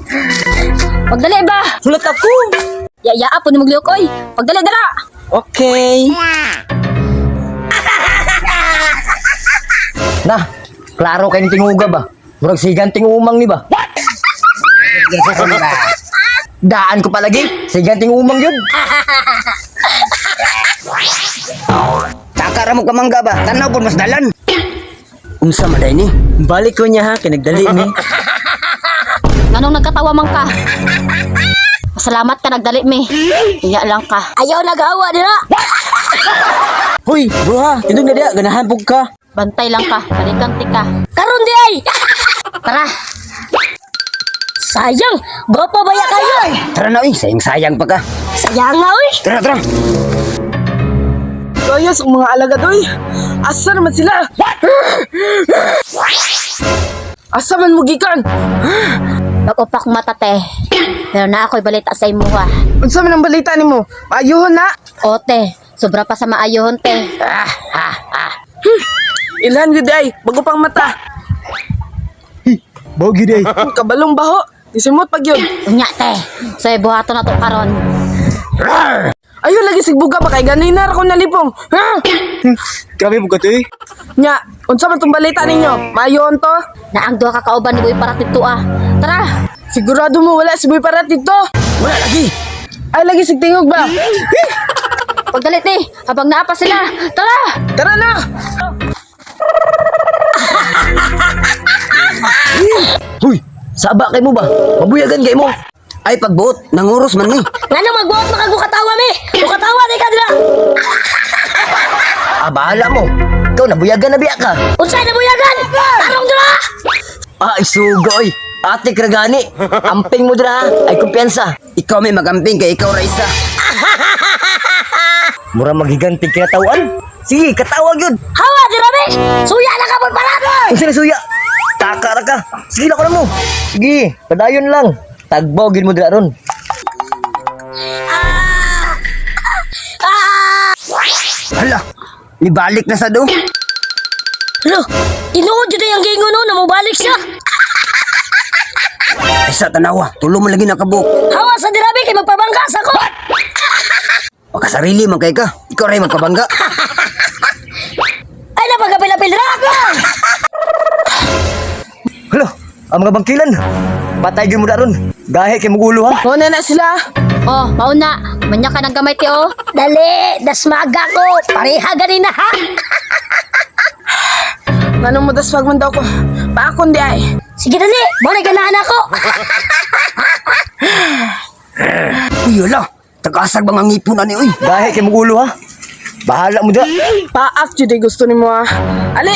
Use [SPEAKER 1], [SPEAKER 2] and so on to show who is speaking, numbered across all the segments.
[SPEAKER 1] Pagdali ba?
[SPEAKER 2] Sulat ako.
[SPEAKER 1] Yaya po ni Mugliok, oy. Pagdali dala.
[SPEAKER 2] Okay.
[SPEAKER 3] Nah, klaro kayo ng tinguga ba? Murag sigan tingumang ni ba? Daan ko palagi, sigan tingumang yun. Takara mo kamangga ba? Tanaw po mas dalan. Unsa maday ni?
[SPEAKER 2] Balik ko niya ha, kinagdali ni.
[SPEAKER 1] Anong nagkatawa man ka? Salamat ka nagdali mi. Iya lang ka. Ayaw nagawa dira.
[SPEAKER 2] Hoy, bro ha, indong na diya, ganahan po ka.
[SPEAKER 1] Bantay lang ka, balikan tika. Karon di ay. Tara. Sayang, gopo baya kayo.
[SPEAKER 3] Tara na, sayang pa ka.
[SPEAKER 1] Sayang nga oy.
[SPEAKER 3] Tara, tara.
[SPEAKER 2] Kayas ang mga alagad, oy. Asa naman sila? Asa man mo gikan?
[SPEAKER 1] Nag-upak mata te. Pero na ako'y balita sa imo ha.
[SPEAKER 2] Unsa man ang balita nimo? Ayuhon na.
[SPEAKER 1] Ote, sobra pa sa maayohon te.
[SPEAKER 2] Ilhan gid ay, bago pang mata.
[SPEAKER 3] Bogi day.
[SPEAKER 2] Kabalong baho. Isimot pag yun.
[SPEAKER 1] Unya te. So buhaton na to karon.
[SPEAKER 2] Ayun lagi sigbuga ba kay ganay na ako nalipong. Ha?
[SPEAKER 3] Grabe mo ka to eh.
[SPEAKER 2] Nya, unsa man tong balita ninyo? Mayon to?
[SPEAKER 1] Na ang duha ka kauban ni Boy para tito ah. Tara.
[SPEAKER 2] Sigurado mo wala si Boy Parat dito?
[SPEAKER 3] Wala lagi.
[SPEAKER 2] Ay lagi sigtingog ba?
[SPEAKER 1] Pagdalit ni, habang naapa sila. Tara.
[SPEAKER 2] Tara na.
[SPEAKER 3] Huy, saba kay mo ba? Mabuyagan kay mo. Ay pagbuot, nanguros man ni.
[SPEAKER 1] Ngano magbuot makagukatawa mi? Gukatawa ni ka dira.
[SPEAKER 3] Ah, bahala mo. Ikaw nabuyagan na biya ka.
[SPEAKER 1] Unsay na buyagan? Tarong dira.
[SPEAKER 3] Ay, sugoy. Ate Kragani, amping mo dira ha. Ay kumpiyansa. Ikaw may magamping kay ikaw Raisa. Mura magiganti kaya tawan. Sige, katawag yun.
[SPEAKER 1] Hawa dira mi. Suya na ka Boy Parat.
[SPEAKER 3] Kung sila suya, takara ka. Sige na ko na mo. Sige, padayon lang. Tagbogin mo dira ron. Hala, ibalik na sa do.
[SPEAKER 1] Lo, tinuod jud ang gingon no, namubalik siya.
[SPEAKER 3] Ay sa tanawa, tulo mo lagi nakabuk.
[SPEAKER 1] Hawa sa dira mi kay magpabangka sa ko.
[SPEAKER 3] Makasarili man kay ka. Ikaw rin magkabangga.
[SPEAKER 1] Ay napagapil-apil dira.
[SPEAKER 3] Hala, ang mga bangkilan. Patay gyud mo da ron. Gahe kay mugulo ha.
[SPEAKER 2] Muna na sila.
[SPEAKER 1] Oh, mauna. Manya ka ng gamay ti oh. Dali, dasmaga ko. Pareha ganina ha.
[SPEAKER 2] Nganong madaswag man daw ko. Paakon di ay.
[SPEAKER 1] Sige dali, mo na ganahan ako.
[SPEAKER 3] Uy, hala. Tagasag bang ang ngipon ani uy. Gahe kay mugulo ha. Bahala mo da.
[SPEAKER 2] Paak jud ay gusto nimo ah. Ali.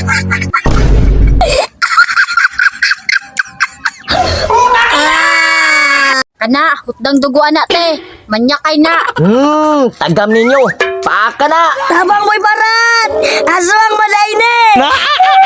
[SPEAKER 1] Kana, hutdang dugo anak te. Manya kay na.
[SPEAKER 3] Tagam ninyo. Paaka na.
[SPEAKER 1] Tabang Boy Parat. Aswang malay ni.